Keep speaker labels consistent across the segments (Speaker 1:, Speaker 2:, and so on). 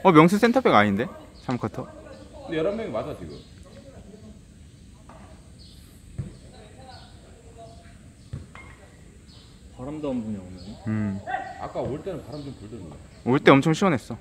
Speaker 1: 명수 센터백 아닌데? 3쿼터?
Speaker 2: 근데 11명이 맞아 지금.
Speaker 3: 바람도 안 부냐 오늘.
Speaker 2: 아까 올 때는 바람 좀 불던데.
Speaker 1: 올 때 엄청 시원했어.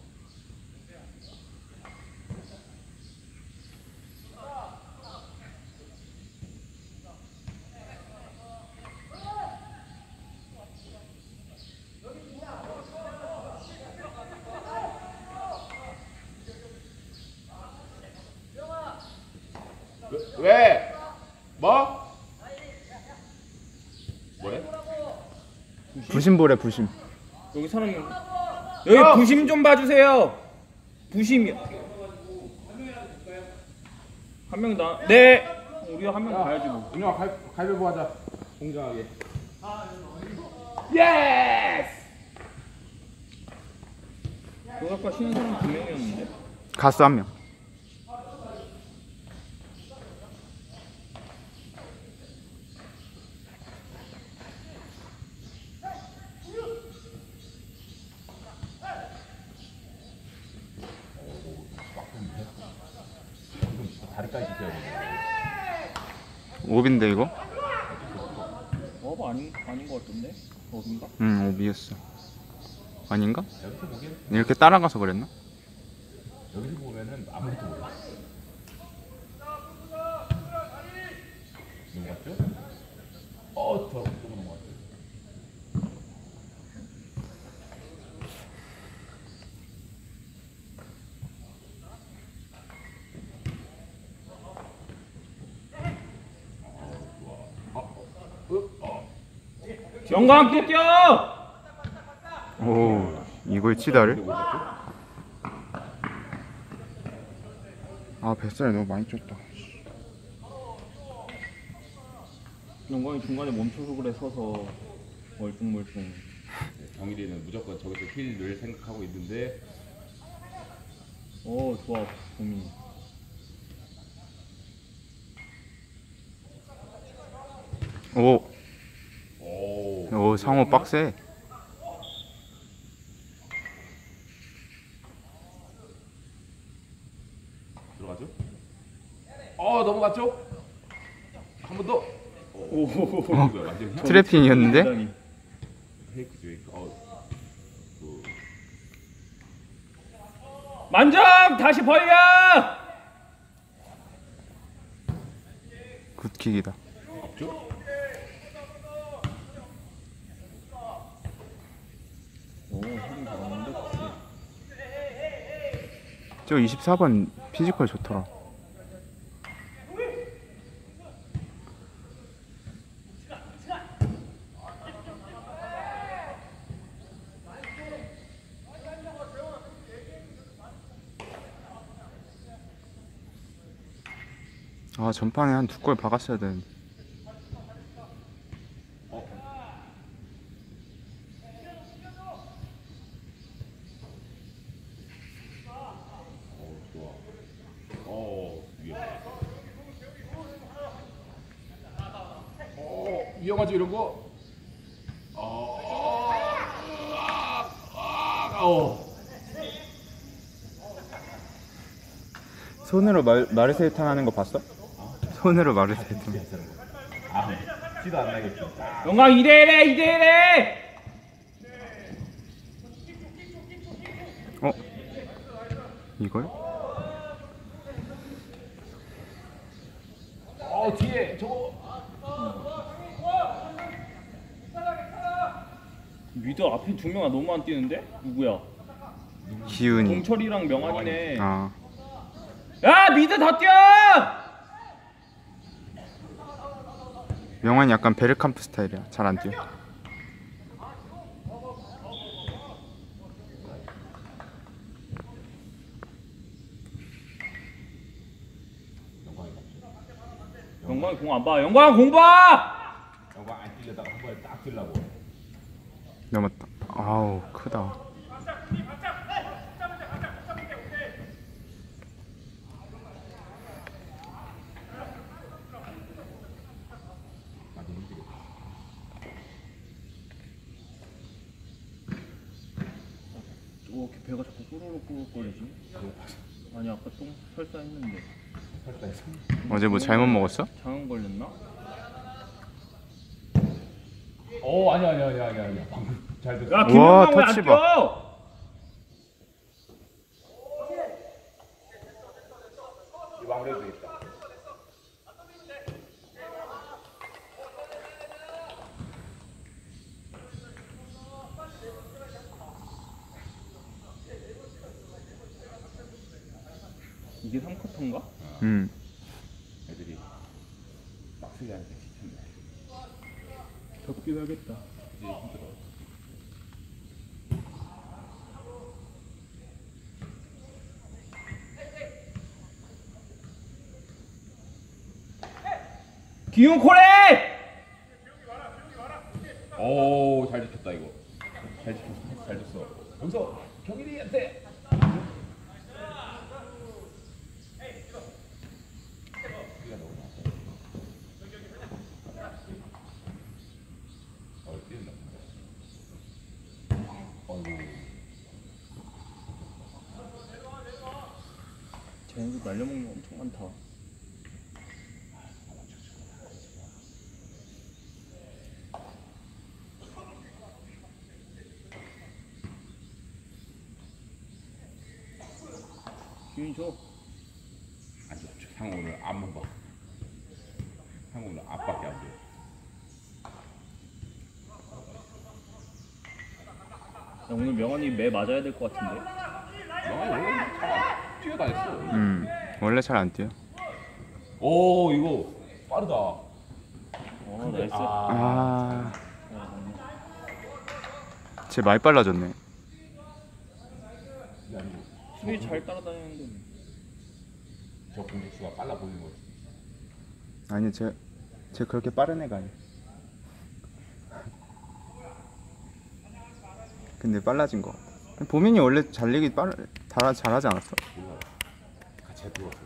Speaker 2: 왜? 뭐? 뭐래?
Speaker 1: 부심보래 부심.
Speaker 3: 여기 사람이 여기 부심 좀 봐주세요. 부심이 한 명 나. 네. 우리 한 명 가야지 뭐.
Speaker 2: 은영아 가위바위보 하자. 공정하게. 예스!
Speaker 3: 너 아까 쉬는 사람 2명이었는데.
Speaker 1: 가스 1명.
Speaker 2: 다리까지 찢어야겠네.
Speaker 1: 오비인데 이거?
Speaker 3: 아닌 것 같던데. 어딘가?
Speaker 1: 오비였어. 아닌가?
Speaker 2: 여기서 보기엔
Speaker 1: 이렇게 따라가서 그랬나?
Speaker 2: 여기서 보면은 아무것도 몰라. 넘어갔죠? 더 넘어갔죠.
Speaker 3: 영광 또 뛰어!
Speaker 1: 오, 이걸 치다를? 아, 뱃살이 너무 많이 쪘다.
Speaker 3: 영광이 중간에 멈춰서 그래. 서서 멀뚱멀뚱.
Speaker 2: 정일이는 무조건 저기서 힐을 생각하고 있는데.
Speaker 3: 좋아 봄이.
Speaker 1: 오, 상호 빡세.
Speaker 2: 들어가죠? 넘어갔죠? 한 번 더. 완전
Speaker 1: 트래핑이었는데?
Speaker 2: 페이크죠, 페이크.
Speaker 3: 만점! 다시 벌려!
Speaker 1: 굿킥이다.
Speaker 2: 없죠?
Speaker 3: 힘 잘하는데.
Speaker 1: 저 24번 피지컬 좋더라. 아, 전판에 한 2골 박았어야 되는데.
Speaker 2: 위험하지 이런 거.
Speaker 1: 손으로 마르세유탕 하는 거 봤어? 손으로 마르세유탕.
Speaker 2: 티도 안 나겠지.
Speaker 3: 영광 2대1해 2대1해!
Speaker 1: 이걸?
Speaker 2: 뒤에 저거.
Speaker 3: 미드 앞에 2명 너무 안 뛰는데? 누구야?
Speaker 1: 기훈이.
Speaker 3: 동철이랑 명환이네.
Speaker 1: 아,
Speaker 3: 야 미드 더 뛰어!
Speaker 1: 명환이 약간 베르캄프 스타일이야. 잘 안 뛰어.
Speaker 3: 영광이 공 안 봐. 영광 공 봐!
Speaker 2: 영광 안 뛰려다가 한 번에 딱 뛰려고.
Speaker 1: 넘었다. 아우, 크다.
Speaker 3: 이렇게 배가 자꾸 꾸르륵꾸르륵거리지? 아니 아까 똥 설사했는데
Speaker 2: 설사해서.
Speaker 1: 어제 뭐 잘못 먹었어?
Speaker 3: 장염 걸렸나?
Speaker 2: 아니야. 방금 잘 됐어.
Speaker 3: 야
Speaker 1: 와,
Speaker 3: 김영광 왜안
Speaker 1: 터치
Speaker 3: 뛰어?
Speaker 2: 이 마무리해도 되겠다.
Speaker 3: 이게 3쿼터인가?
Speaker 2: 애들이 빡세게 하니까 지쳤네.
Speaker 3: 덥긴 하겠다.
Speaker 2: 이제 힘들어.
Speaker 3: 기용 코레!
Speaker 2: 오, 잘 지켰다 이거. 잘 지켰어. 잘 줬어. 여기서 경일이한테. 뛰가 너무 나왔다. 뛰었나? 어이구.
Speaker 3: 쟤네도 날려먹는 거 엄청 많다. 기운 줘.
Speaker 2: 안 줘. 형 오늘 앞만 봐. 형 오늘 앞밖에 안 줘.
Speaker 3: 야, 오늘 명언이 매 맞아야 될 것 같은데.
Speaker 2: 영환이 원래 잘 뛰어다녔어.
Speaker 1: 원래 잘 안 뛰어.
Speaker 2: 오, 이거 빠르다.
Speaker 3: 나이스.
Speaker 1: 쟤 많이 빨라졌네.
Speaker 3: 수비 잘 따라다니는데.
Speaker 2: 저 공격수가 빨라 보이는 거지.
Speaker 1: 아니 쟤 그렇게 빠른 애가 아니야. 근데 빨라진 거 같아. 보민이 원래 잘하지 않았어?
Speaker 2: 몰라. 같이 들어왔어.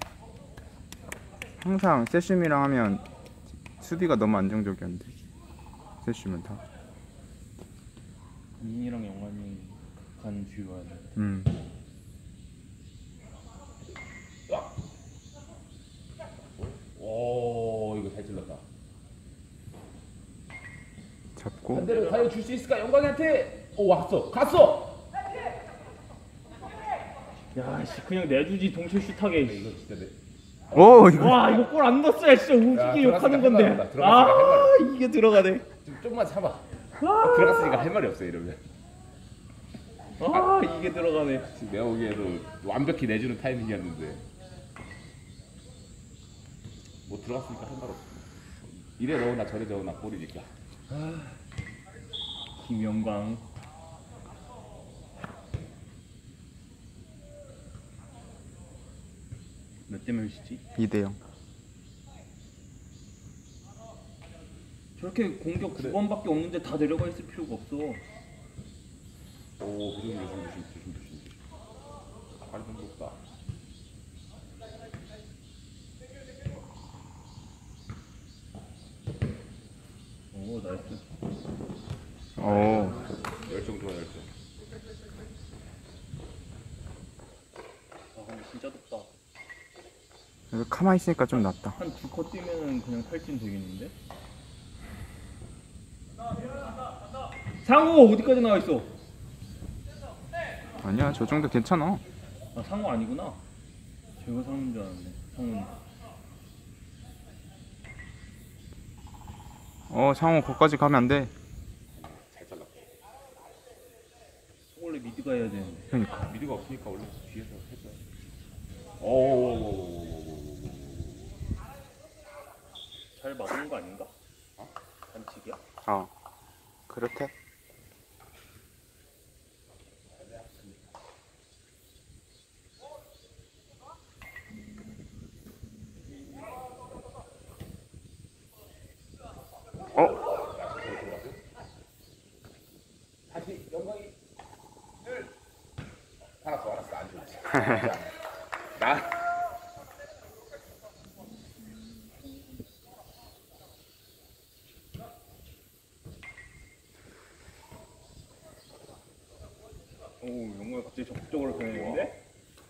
Speaker 1: 항상 세슘이랑 하면 수비가 너무 안정적이었는데. 세슘은 다.
Speaker 3: 민이랑 영환이 간 뒤로 와야 돼.
Speaker 2: 야! 오, 이거 잘 찔렀다.
Speaker 1: 잡고.
Speaker 2: 반대로 과연 줄 수 있을까? 영광이한테. 오, 왔어. 갔어.
Speaker 3: 야, 씨 그냥 내주지 동시에 슛하게.
Speaker 2: 이거 진짜 내.
Speaker 1: 오 이거.
Speaker 3: 와, 이거 골 안 넣었어야 진짜 우습게 욕하는 건데.
Speaker 2: 들어갔으니까
Speaker 3: 이게 들어가네.
Speaker 2: 좀만 참아. 들어갔으니까 할 말이 없어 이러면.
Speaker 3: 이게 들어가네.
Speaker 2: 지금 내가 보기에도 완벽히 내주는 타이밍이었는데 뭐 들어갔으니까 할 말 없어. 이래 넣으나 저래 넣으나 골이니까.
Speaker 3: 김영광. 몇 대 몇이지?
Speaker 1: 2대0.
Speaker 3: 저렇게 공격 9번밖에 없는데 다 내려가 있을 필요가 없어.
Speaker 2: 오, 조심. 발이 좀 높다.
Speaker 3: 오, 나이스.
Speaker 1: 오.
Speaker 2: 열정 좋아, 열정.
Speaker 3: 근데 진짜 덥다.
Speaker 1: 그래서 가만히 있으니까 좀 낫다.
Speaker 3: 한 2컷 뛰면은 그냥 탈진 되겠는데? 상우 어디까지 나와 있어?
Speaker 1: 아니야 저 정도 괜찮아.
Speaker 3: 아, 상우 아니구나. 제가 상우인 줄 알았네. 상우는.
Speaker 1: 상호 거기까지 가면 안 돼.
Speaker 2: 잘 잘랐다.
Speaker 3: 원래 미드가 해야 되는데.
Speaker 1: 그러니까.
Speaker 2: 미드가 없으니까 원래 뒤에서 했어요. 오.
Speaker 3: 잘 막은 거 아닌가? 반칙이야?
Speaker 1: 그렇대.
Speaker 2: 다시 영광이 알았어 안 좋지. 나
Speaker 3: 영구가 갑자기 적극적으로 변했는데?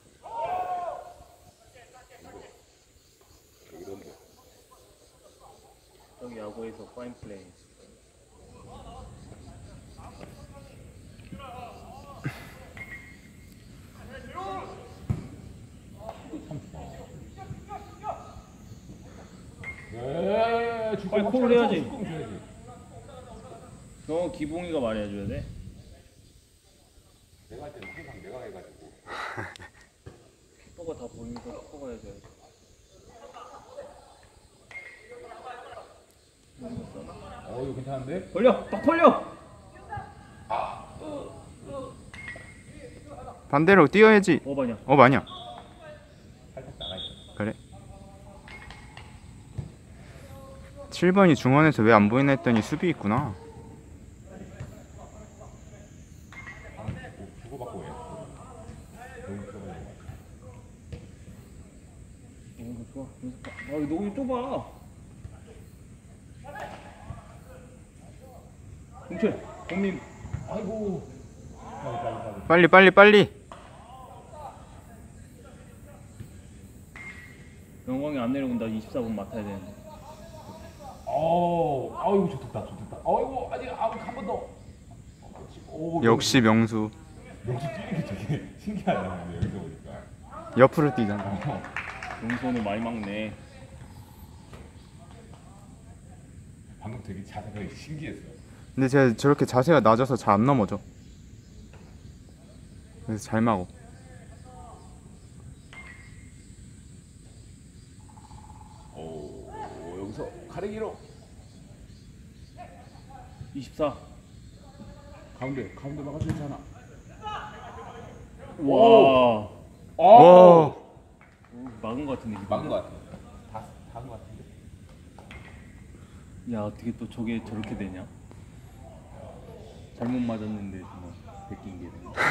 Speaker 3: 저기 야구에서 파인 플레이. 빨리 콜을 해야지. 너 기봉이가 말해줘야 돼.
Speaker 2: 내가 할 때는 항상 내가 해가지고.
Speaker 3: 키퍼가 다 보이니까 키퍼가 해줘야지.
Speaker 2: 이거 괜찮은데?
Speaker 3: 벌려! 딱 벌려!
Speaker 1: 반대로 뛰어야지.
Speaker 3: 어바냐?
Speaker 1: 아니야.
Speaker 2: 살짝 나가있어.
Speaker 1: 그래. 7번이 중원에서 왜 안 보이나 했더니 수비 있구나.
Speaker 2: 주고받고 해. 너무 좋아해.
Speaker 3: 좋아. 아, 너무 좁아. 공철, 공님.
Speaker 2: 아이고.
Speaker 1: 빨리.
Speaker 3: 영광이 안 내려온다. 24분 맡아야 되는데.
Speaker 2: 아이고 좋겠다. 아이고 아직 한 번 더.
Speaker 1: 역시 명수.
Speaker 2: 역시 뛰는 게 되게 신기하다. 근데 여기서 보니까.
Speaker 1: 옆으로 뛰잖아.
Speaker 3: 용선을 많이 막네.
Speaker 2: 방금 되게 자세가 신기했어.
Speaker 1: 근데 제가 저렇게 자세가 낮아서 잘 안 넘어져. 그래서 잘 막어.
Speaker 2: 여기서 가래기로
Speaker 3: 24.
Speaker 2: 가운데 막아주지 않아.
Speaker 3: 와.
Speaker 1: 와.
Speaker 3: 막은 것 같은데.
Speaker 2: 막은 것 같아. 다한 것 같은데.
Speaker 3: 야, 어떻게 또 저게 저렇게 되냐? 잘못 맞았는데 뭐 베낀 게 되네.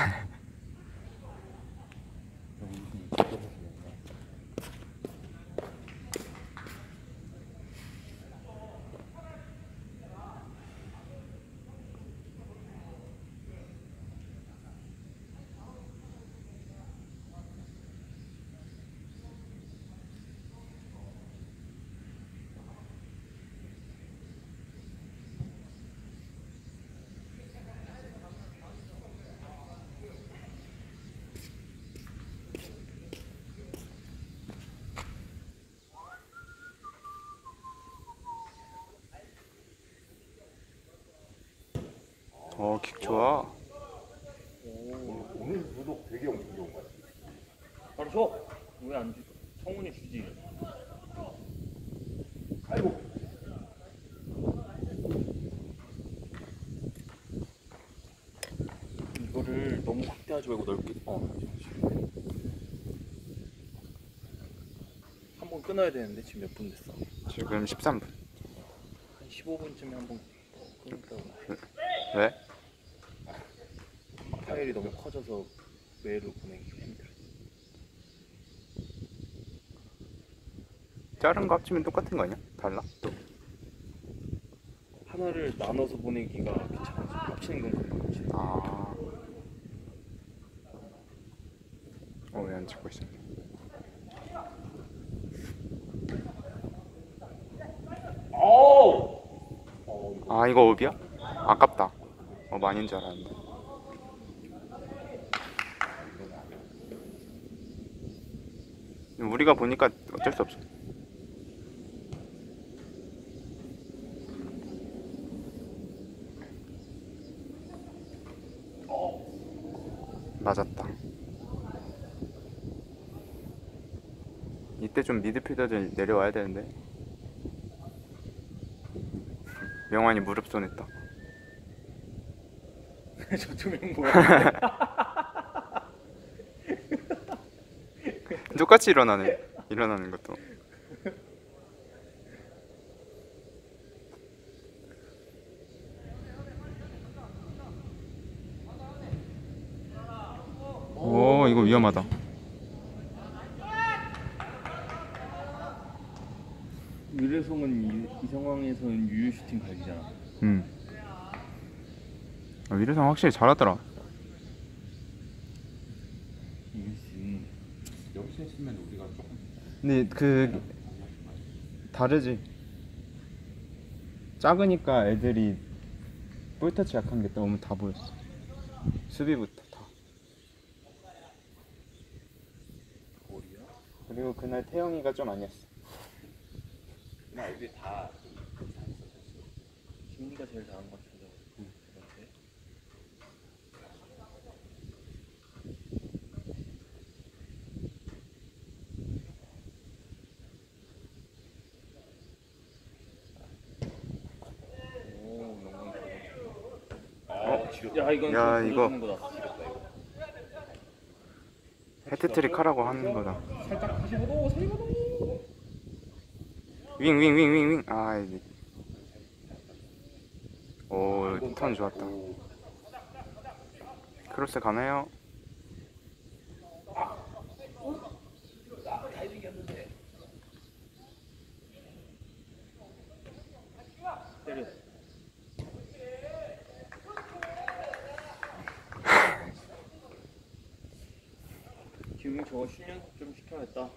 Speaker 1: 킥 좋아.
Speaker 2: 오늘 유독 되게 엄청 좋은 것 같아.
Speaker 3: 바로 줘. 왜 안 주? 성훈이 주지.
Speaker 2: 아이고.
Speaker 3: 이거를 너무 확대하지 말고 넓게. 한 번 끊어야 되는데 지금 몇 분 됐어?
Speaker 1: 지금 13분.
Speaker 3: 한 15분쯤에 한 번 끊을까고.
Speaker 1: 왜?
Speaker 3: 파일이 너무 커져서 메일로 보내기 힘들어.
Speaker 1: 자른 거 합치면 똑같은 거 아니야? 달라? 또.
Speaker 3: 하나를 나눠서 보내기가 귀찮아서 합치는 건 가끔씩.
Speaker 1: 아. 왜 안 찍고 있어? 아, 이거 업이야? 아깝다. 많이인 줄 알았는데. 우리가 보니까 어쩔 수 없어. 맞았다. 이때 좀 미드필더들 내려와야 되는데. 명환이 무릎 손했다.
Speaker 3: 저 두 명 뭐야?
Speaker 1: 똑같이 일어나네. 일어나는 것도. 오, 이거 위험하다.
Speaker 3: 위례성은 이 상황에서는 유유 슈팅 각이잖아.
Speaker 1: 위례성 확실히 잘하더라. 근데 그 다르지. 작으니까 애들이 볼터치 약한 게 너무 다 보였어. 수비부터 다. 그리고 그날 태영이가 좀 아니었어.
Speaker 2: 그냥 애들이 다
Speaker 3: 김리가 제일 잘한 것 같은데. 그렇지? 오, 영광이 잘했어.
Speaker 2: 지렸다.
Speaker 3: 야, 이건
Speaker 1: 야,
Speaker 3: 좀
Speaker 1: 이거.
Speaker 3: 보여주는 거다.
Speaker 2: 지렸다 이거.
Speaker 1: 헤트트릭 하라고 하는 거다.
Speaker 2: 살짝 45도 45도.
Speaker 1: 윙. 아, 이제. 오, 턴 좋았다. 크로스 가나요?
Speaker 3: 때려. 기웅이 저거训练 좀 시켜야겠다.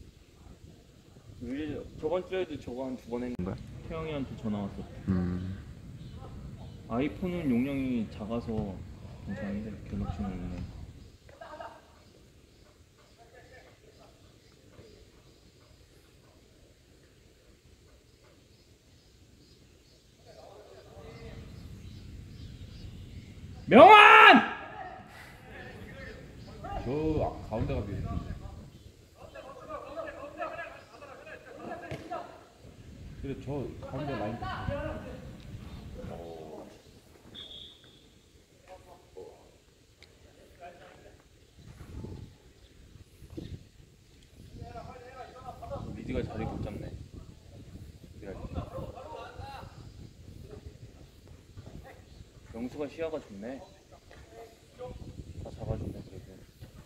Speaker 3: 저번 주에도 저거 한 2번 했는데
Speaker 1: 뭐야?
Speaker 3: 태영이한테 전화 왔어.
Speaker 1: 음.
Speaker 3: 아이폰은 용량이 작아서 괜찮은데 갤럭시는 용량. 명환!
Speaker 2: 저 가운데가 되게 근데 저 가운데 라인
Speaker 3: 미디가 자리 못 잡네. 영수가 시야가 좋네. 다 잡아주네 그래도.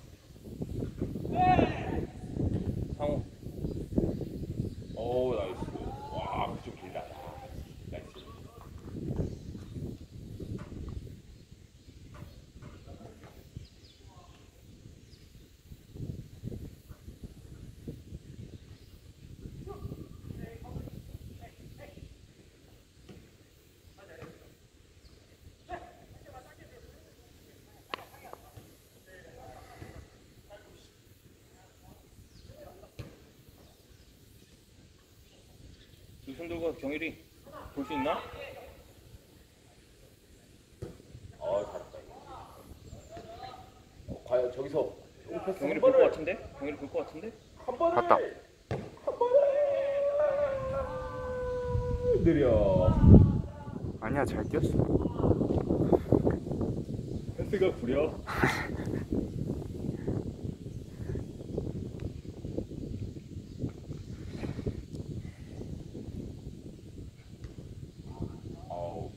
Speaker 3: 상호.
Speaker 2: 오 나이스. 와 그쪽 길다. 나이스.
Speaker 3: 두손 들고 경일이 볼 수 있나?
Speaker 2: 잘했다 이거. 과연 저기서 패스
Speaker 3: 경일이
Speaker 2: 한
Speaker 3: 볼 것
Speaker 2: 번을
Speaker 3: 같은데? 경일이 볼 것 같은데?
Speaker 2: 한 번을
Speaker 1: 봤다.
Speaker 2: 한 번을 느려.
Speaker 1: 아니야, 잘 뛰었어.
Speaker 3: 패스가 구려.
Speaker 2: 아우.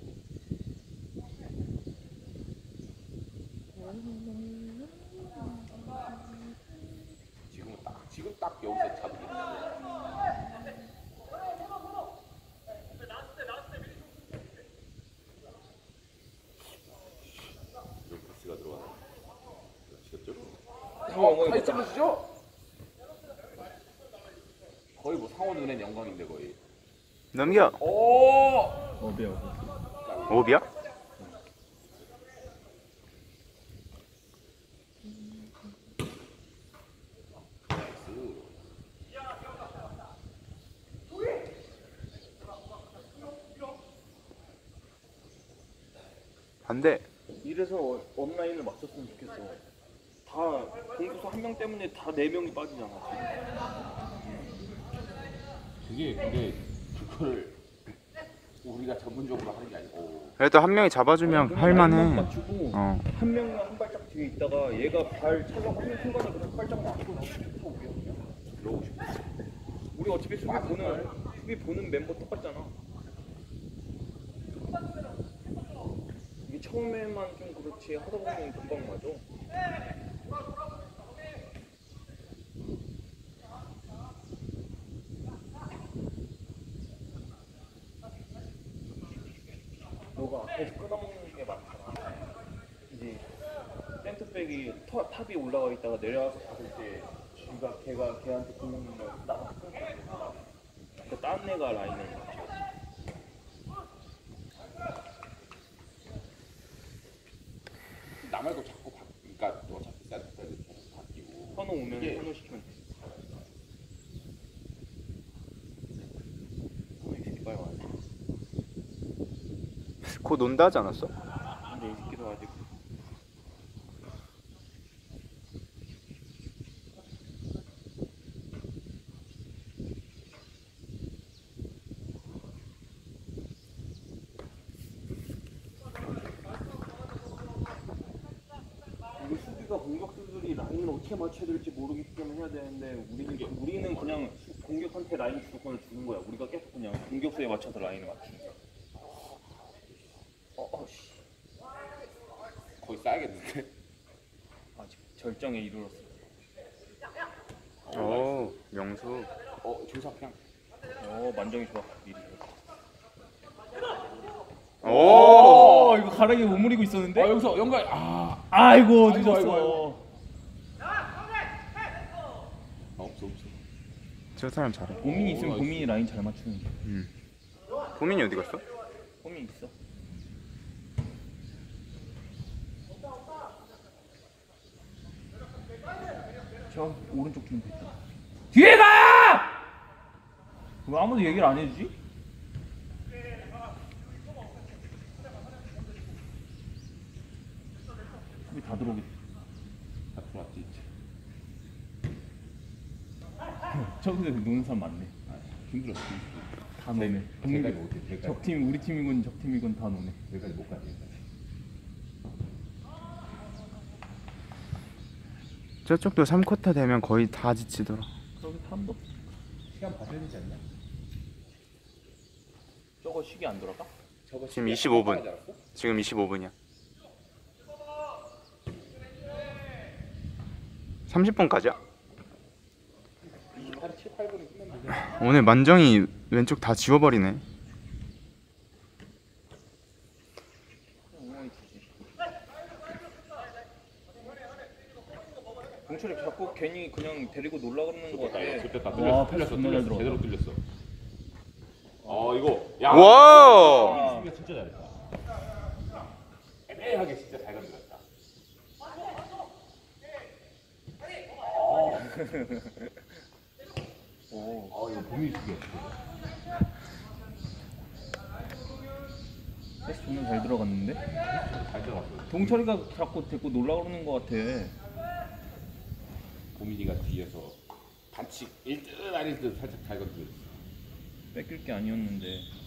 Speaker 2: 지금 딱 여기서 잡기. 여기 패스가 들어가네. 아시겠죠?
Speaker 3: 엉덩이
Speaker 2: 찔러주죠? 거의 뭐 상호 눈엔 영광인데 거의.
Speaker 1: 넘겨.
Speaker 2: 오!
Speaker 3: 어비야.
Speaker 1: 오비야? 반대.
Speaker 3: 이래서 온라인을 맞췄으면 좋겠어. 다 공격수 한 명 때문에 다 4명이 빠지잖아.
Speaker 2: 그게 근데 그걸 우리가 전문적으로 하는 게 아니고.
Speaker 1: 그래도 한 명이 잡아주면
Speaker 3: 그냥
Speaker 1: 할만해.
Speaker 3: 라인만 맞추고
Speaker 1: 어.
Speaker 3: 한 명은 한 발짝 뒤에 있다가 얘가 발 차려고 하는 순간에 그냥 발짝 맞추고 나오고 오게 그냥.
Speaker 2: 그러고 싶어.
Speaker 3: 우리 어차피 수비 보는 멤버 똑같잖아. 이게 처음에만 좀 그렇지 하다 보면 금방 맞아. 너가 앞에서 끊어먹는 게 많잖아. 이제 센터백이 탑이 올라가 있다가 내려와서 받을 때 걔한테 공격을 나가 끊고 그 다른 애가 라인을 맞춰.
Speaker 2: 나 말고 자꾸 그러니까 어차피 센터까지 계속 바뀌고.
Speaker 3: 현우 오면
Speaker 2: 이게-
Speaker 3: 현우 시키면 돼. 현우 이 새끼 빨리 와야 돼.
Speaker 1: 곧 온다 하지 않았어?
Speaker 3: 근데 이 새끼도 아직 이게 수비가 공격수들이 라인을 어떻게 맞춰야 될지 모르기 때문에 해야 되는데 우리는 그냥 공격한테 라인 주도권을 주는 거야. 우리가 계속 그냥 공격수에 맞춰서 라인을 맞추는 거야. 씨.
Speaker 2: 거의 싸야겠는데.
Speaker 3: 아직 절정에 이르렀어.
Speaker 1: 오 명수.
Speaker 2: 조사 그냥.
Speaker 3: 만정이 좋아. 미리.
Speaker 1: 오.
Speaker 3: 이거 가랑이 오므리고 있었는데.
Speaker 2: 여기서 연결.
Speaker 3: 아이고
Speaker 2: 아이고,
Speaker 3: 늦었어.
Speaker 2: 아이고. 없어.
Speaker 1: 저 사람 잘해.
Speaker 3: 고민이 있으면 고민이 라인 잘 맞추는데.
Speaker 1: 고민이 어디 갔어?
Speaker 3: 고민 있어. 저 오른쪽 팀 됐다. 뒤에 가! 왜 아무도 얘기를 안 해주지? 수비 다 들어오겠다.
Speaker 2: 다 들어왔지 이제.
Speaker 3: 저기서 노는 사람 많네.
Speaker 2: 힘들었어.
Speaker 3: 다 노네.
Speaker 2: 대까지 못해. 대까지.
Speaker 3: 적팀 우리 팀이건 적팀이건 다 노네.
Speaker 2: 여기까지 못 가지.
Speaker 1: 저쪽도 3쿼터 되면 거의 다 지치더라.
Speaker 3: 저기 탐도
Speaker 2: 시간 받아야 되지 않나?
Speaker 3: 저거 시계 안 돌아가?
Speaker 2: 저거
Speaker 1: 지금
Speaker 2: 시간
Speaker 1: 25분.
Speaker 2: 하지 않았어?
Speaker 1: 지금 25분이야. 30분까지야?
Speaker 2: 28, 7, 8분에 끝났는데.
Speaker 1: 오늘 만정이 왼쪽 다 지워버리네.
Speaker 3: 동철이 자꾸 괜히 그냥 데리고 놀라 그러는 거 같아.
Speaker 2: 좋겠다.
Speaker 3: 와,
Speaker 2: 뚫렸어.
Speaker 3: 패스 존나 잘
Speaker 2: 뚫렸어.
Speaker 3: 들어갔다.
Speaker 2: 제대로 뚫렸어. 이거. 야.
Speaker 1: 와!
Speaker 2: 수비가 진짜 잘했다. 애매하게 진짜 잘 건드렸다. 이거 보미 수비였어.
Speaker 3: 패스 존나 잘 들어갔는데?
Speaker 2: 잘 들어갔어.
Speaker 3: 동철이가 자꾸 데리고 놀라 그러는 거 같아.
Speaker 2: 보민이가 뒤에서 반칙 1듯 아닐 듯 살짝 잘 건드렸어.
Speaker 3: 뺏길 게 아니었는데.